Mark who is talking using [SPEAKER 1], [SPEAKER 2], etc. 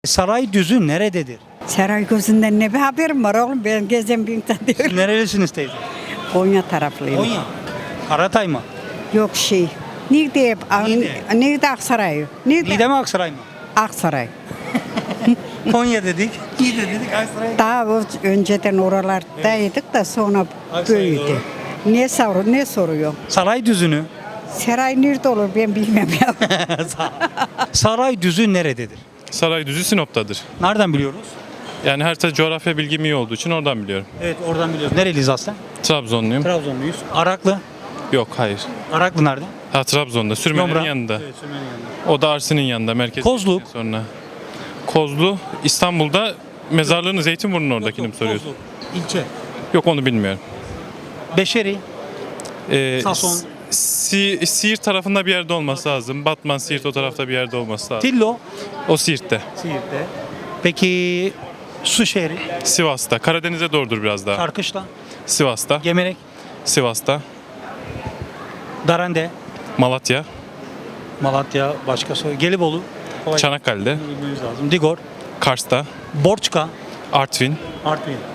[SPEAKER 1] Sarayüzü nerededir?
[SPEAKER 2] Saraygözü'nden ne bir haberim var oğlum, ben gezen bir insan değilim.
[SPEAKER 1] Nerelisiniz teyze?
[SPEAKER 2] Konya taraflıyım.
[SPEAKER 1] Konya. Karatay mı?
[SPEAKER 2] Yok şey. Nerede? Nerede Aksaray?
[SPEAKER 1] Niğde mi Aksaray mı?
[SPEAKER 2] Aksaray.
[SPEAKER 1] Konya dedik. Niğde dedik Aksaray.
[SPEAKER 2] Daha önceden oralardaydık da sonra
[SPEAKER 1] Aksaray
[SPEAKER 2] büyüdü.
[SPEAKER 1] doğru.
[SPEAKER 2] Ne soruyor?
[SPEAKER 1] Sarayüzü'nü.
[SPEAKER 2] Saray nerede olur ben bilmem ya.
[SPEAKER 1] Sarayüzü nerededir?
[SPEAKER 3] Sarayüzü Sinop'tadır.
[SPEAKER 1] Nereden biliyoruz?
[SPEAKER 3] Yani harita coğrafya bilgim iyi olduğu için oradan biliyorum.
[SPEAKER 1] Evet oradan biliyoruz. Nereliyiz aslen?
[SPEAKER 3] Trabzonluyum.
[SPEAKER 1] Trabzonluyuz. Araklı.
[SPEAKER 3] Yok, hayır.
[SPEAKER 1] Araklı nerede?
[SPEAKER 3] Ha, Trabzon'da. Sürmenin
[SPEAKER 1] Yomra.
[SPEAKER 3] yanında.
[SPEAKER 1] Evet, Sürmenin yanında.
[SPEAKER 3] O da Arsin'in yanında. Merkez.
[SPEAKER 1] Kozluk.
[SPEAKER 3] Sonra. Kozlu İstanbul'da, mezarlığını Zeytinburnu'nun oradakini mi soruyorsun?
[SPEAKER 1] İlçe.
[SPEAKER 3] Yok, onu bilmiyorum.
[SPEAKER 1] Beşeri. Sason.
[SPEAKER 3] Siirt tarafında bir yerde olması lazım. Batman, Siirt o tarafta bir yerde olması lazım.
[SPEAKER 1] Tillo.
[SPEAKER 3] O Siirt'te.
[SPEAKER 1] Siirt'te. Peki su şehri.
[SPEAKER 3] Sivas'ta. Karadeniz'e doğrudur biraz daha.
[SPEAKER 1] Karkışla.
[SPEAKER 3] Sivas'ta.
[SPEAKER 1] Gemerek.
[SPEAKER 3] Sivas'ta.
[SPEAKER 1] Darende.
[SPEAKER 3] Malatya.
[SPEAKER 1] Malatya. Başka soru. Gelibolu. Kolay.
[SPEAKER 3] Çanakkale'de.
[SPEAKER 1] Bilmemiz lazım. Digor.
[SPEAKER 3] Kars'ta.
[SPEAKER 1] Borçka.
[SPEAKER 3] Artvin.
[SPEAKER 1] Artvin.